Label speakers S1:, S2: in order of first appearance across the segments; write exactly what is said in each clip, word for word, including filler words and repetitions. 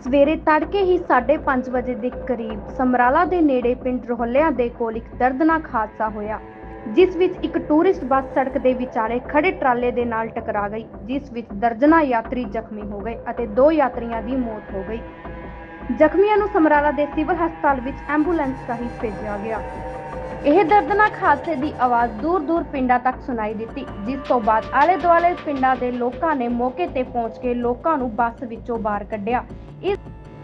S1: ਸਵੇਰੇ ਤੜਕੇ ਹੀ ਸਾਢੇ ਪੰਜ ਵਜੇ ਦੇ ਕਰੀਬ ਸਮਰਾਲਾ ਦੇ ਨੇੜੇ ਪਿੰਡ ਰੋਹਲਿਆਂ ਦੇ ਕੋਲ ਇੱਕ ਦਰਦਨਾਕ ਹਾਦਸਾ ਹੋਇਆ, ਜਿਸ ਵਿੱਚ ਇੱਕ ਟੂਰਿਸਟ ਬੱਸ ਸੜਕ ਦੇ ਵਿਚਾਲੇ ਖੜੇ ਟਰਾਲੇ ਦੇ ਨਾਲ ਟਕਰਾ ਗਈ, ਜਿਸ ਵਿੱਚ ਦਰਜਨਾਂ ਯਾਤਰੀ ਜ਼ਖਮੀ ਹੋ ਗਏ ਅਤੇ ਦੋ ਯਾਤਰੀਆਂ ਦੀ ਮੌਤ ਹੋ ਗਈ। ਜ਼ਖਮੀਆਂ ਨੂੰ ਸਮਰਾਲਾ ਦੇ ਸਿਵਲ ਹਸਪਤਾਲ ਵਿੱਚ ਐਂਬੂਲੈਂਸ ਰਾਹੀਂ ਭੇਜਿਆ ਗਿਆ। ਇਹ ਦਰਦਨਾਕ ਹਾਦਸੇ ਦੀ ਆਵਾਜ਼ ਦੂਰ-ਦੂਰ ਪਿੰਡਾਂ ਤੱਕ ਸੁਣਾਈ ਦਿੱਤੀ, ਜਿਸ ਤੋਂ ਬਾਅਦ ਆਲੇ-ਦੁਆਲੇ ਪਿੰਡਾਂ ਦੇ ਲੋਕਾਂ ਨੇ ਮੌਕੇ ਤੇ ਪਹੁੰਚ ਕੇ ਲੋਕਾਂ ਨੂੰ ਬੱਸ ਵਿੱਚੋਂ ਬਾਹਰ ਕੱਢਿਆ। ਇਸ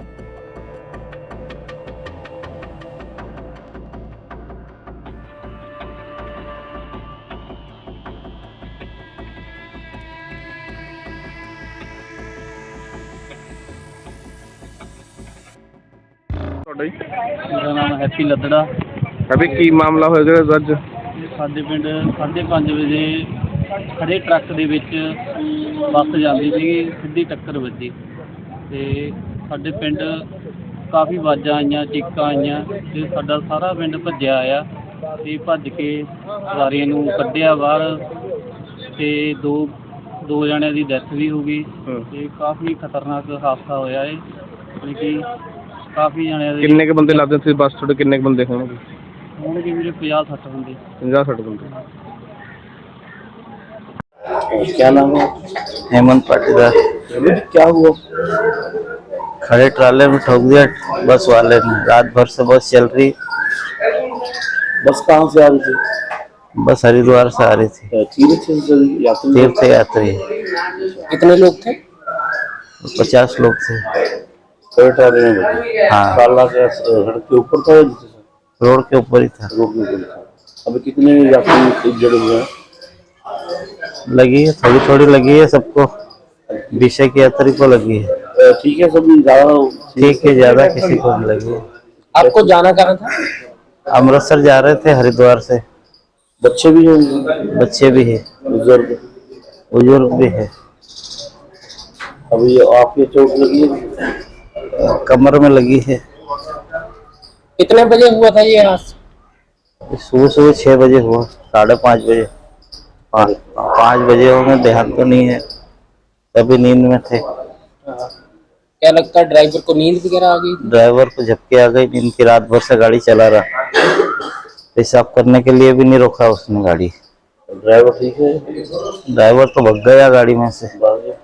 S2: मेरा नाम हैप्पी लद्दड़ा।
S3: अभी की मामला होएगा अज?
S2: साडे पिंड साढ़े पाँच बजे खड़े ट्रक दे विच बस जाती थी, सीधी टक्कर वजी ते साडे पिंड काफ़ी आवाज़ां आईयां, चीकां आईयां ते साडा सारा पिंड भज्जिया आया ते भज के सवारियां नूं कड्ढिया बाहर ते दो दो जणियां दी डैथ भी हो गई ते काफ़ी खतरनाक हादसा होया है। यानी कि काफ़ी जने
S3: किन्ने के बंदे लादे थे बस थोड़े किन्ने के बंदे होंगे?
S2: होंगे मेरे पचास सठ बंदे।
S3: पचास सठ बंदे।
S4: क्या नाम है? हेमंत पाटीदार।
S3: क्या हुआ?
S4: खड़े ट्राले में ठोक दिया बस वाले ने। रात भर से बस चल रही।
S3: बस कहाँ से आ रही थी?
S4: बस हरिद्वार से आ रही थी।
S3: तीर्थ यात्री?
S4: तीर्थ यात्री।
S3: कितने लोग थे?
S4: पचास लोग थे। हाँ,
S3: ट्राला के सड़क के ऊपर था?
S4: रोड के ऊपर ही था।
S3: रोड के ऊपर था। अभी कितने यात्री इंजर्ड हुए हैं?
S4: लगी है, थोड़ी थोड़ी लगी है सबको। विषय की यात्री को लगी है।
S3: ठीक है, सब ज्यादा
S4: ठीक है, ज्यादा किसी को नहीं लगी है।
S3: आपको जाना कहाँ था?
S4: अमृतसर जा रहे थे हरिद्वार से।
S3: बच्चे भी होंगे?
S4: बच्चे भी है,
S3: बुजुर्ग
S4: बुजुर्ग भी है।
S3: अभी आपके चोट लगी है?
S4: कमर में लगी है।
S3: कितने बजे हुआ था ये हादसा?
S4: सुबह सुबह छह बजे हुआ, साढ़े पाँच बजे पाँच पाँच बजे होंगे, ध्यान तो नहीं है, तभी नींद में थे।
S3: क्या लगता है ड्राइवर को नींद वगैरह आ गई?
S4: ड्राइवर को झपके आ गई नींद की। रात भर से गाड़ी चला रहा, पेशाब करने के लिए भी नहीं रोका उसने गाड़ी।
S3: ड्राइवर ठीक है?
S4: ड्राइवर तो भग गया गाड़ी में से।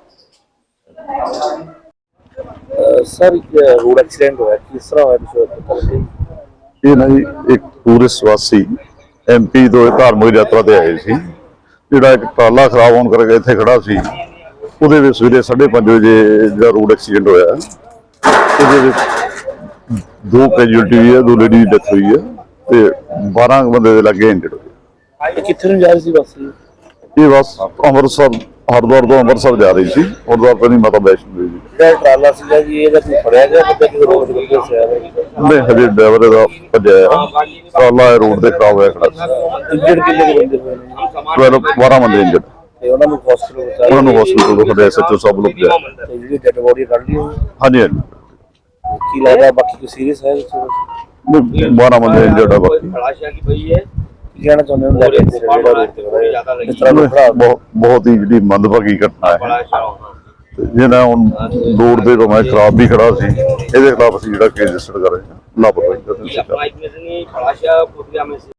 S3: सर रोड एक्सीडेंट हुआ किस तरह होया?
S5: ਇਹ ਨਾ ਜੀ ਇੱਕ ਟੂਰਿਸਟ ਵਾਸੀ ਐਮਪੀ ਤੋਂ ਧਾਰਮਿਕ ਯਾਤਰਾ ਤੇ ਆਏ ਸੀ, ਜਿਹੜਾ ਇੱਕ ਟਰਾਲਾ ਖਰਾਬ ਹੋਣ ਕਰਕੇ ਇੱਥੇ ਖੜਾ ਸੀ। ਉਹਦੇ ਵਿੱਚ ਸਵੇਰੇ ਸਾਢੇ ਪੰਜ ਵਜੇ ਜਿਹੜਾ ਰੋਡ ਐਕਸੀਡੈਂਟ ਹੋਇਆ, ਉਹਦੇ ਵਿੱਚ ਦੋ ਕੈਜੂਅਲਟੀ ਹੋਈ ਹੈ, ਦੋ ਲੇਡੀ ਦੀ ਡੈਥ ਹੋਈ ਹੈ ਤੇ ਬਾਰਾਂ ਬੰਦੇ ਦੇ ਲੱਗੇ ਇੰਜਰਡ ਹੋਏ।
S3: ਕਿੱਥੇ ਨੂੰ ਜਾ ਰਹੀ ਸੀ ਬੱਸ?
S5: ਇਹ ਬੱਸ ਅੰਮ੍ਰਿਤਸਰ ਹਰਿਦੁਆਰ ਤੋਂ ਅੰਮ੍ਰਿਤਸਰ ਜਾ ਰਹੀ ਸੀ। ਹਰਿਦੁਆਰ ਤੋਂ ਨਹੀਂ, ਮਾਤਾ ਵੈਸ਼ਨੋ ਦੇਵੀ।
S3: ਜਿਹੜਾ ਟਰਾਲਾ ਸੀਗਾ ਜੀ ਇਹਦਾ ਕੋਈ ਫੜਿਆ ਗਿਆ ਬੰਦਾ ਕਿ ਰੋਡ ਤੇ ਫਸਿਆ ਹੋਇਆ?
S5: ਨਹੀਂ, ਹਜੇ ਡਰਾਈਵਰ ਇਹਦਾ ਭੱਜਿਆ ਹੈ। ਟਰਾਲਾ ਰੋਡ ਤੇ ਖਰਾਬ ਹੋਇਆ ਖੜਾ ਸੀ।
S3: ਇੰਜਰਡ ਕਿੰਨੇ ਕੁ ਬੰਦੇ ਹੋਏ ਨੇ?
S5: ਬਾਰਾਂ ਬਾਰਾਂ ਬੰਦੇ ਇੰਜਰਡ।
S3: ਤੇ ਉਹਨਾਂ ਨੂੰ ਹਸਪੀਟਲ ਪਹੁੰਚਾਇਆ?
S5: ਉਹਨਾਂ ਨੂੰ ਹਸਪੀਟਲ ਤੋਂ ਸਾਡੇ ਐਸਐਚਓ ਸਾਹਿਬ ਲੋਕ ਗਏ।
S3: ਤੇ ਜਿਹੜੀ ਡੈਡ ਬੋਡੀ ਕੱਢ ਲਈ ਹੋਈ?
S5: ਹਾਂਜੀ ਹਾਂਜੀ,
S3: ਕੀ ਲੱਗਦਾ ਬਾਕੀ ਕੋਈ ਸੀਰੀਅਸ ਹੈ?
S5: ਬਾਰਾਂ ਬੰਦੇ ਇੰਜਰਡ ਆ ਬਾਕੀ।
S3: ਕੀ ਕਹਿਣਾ ਚਾਹੁੰਦੇ ਹੋ ਲੈ ਕੇ ਜਿਹੜਾ ਰੋਡ ਤੇ ਖੜਾ ਹੈ? ਇਸ ਤਰ੍ਹਾਂ ਦਾ ਖੜਾ
S5: ਬਹੁਤ ਬਹੁਤ ਹੀ ਜਿਹੜੀ ਮੰਦਭਾਗੀ ਘਟਨਾ ਹੈ। ਜਿਹਨਾਂ ਹੁਣ ਰੋਡ ਦੇ ਤੋਂ ਮੈਂ ਖਰਾਬ ਵੀ ਖੜਾ ਸੀ, ਇਹਦੇ ਖਿਲਾਫ ਅਸੀਂ ਜਿਹੜਾ ਕੇਸ ਰਜਿਸਟਰ ਕਰ ਰਹੇ ਹਾਂ ਲਾਪਰਵਾਹੀ ਦਾ।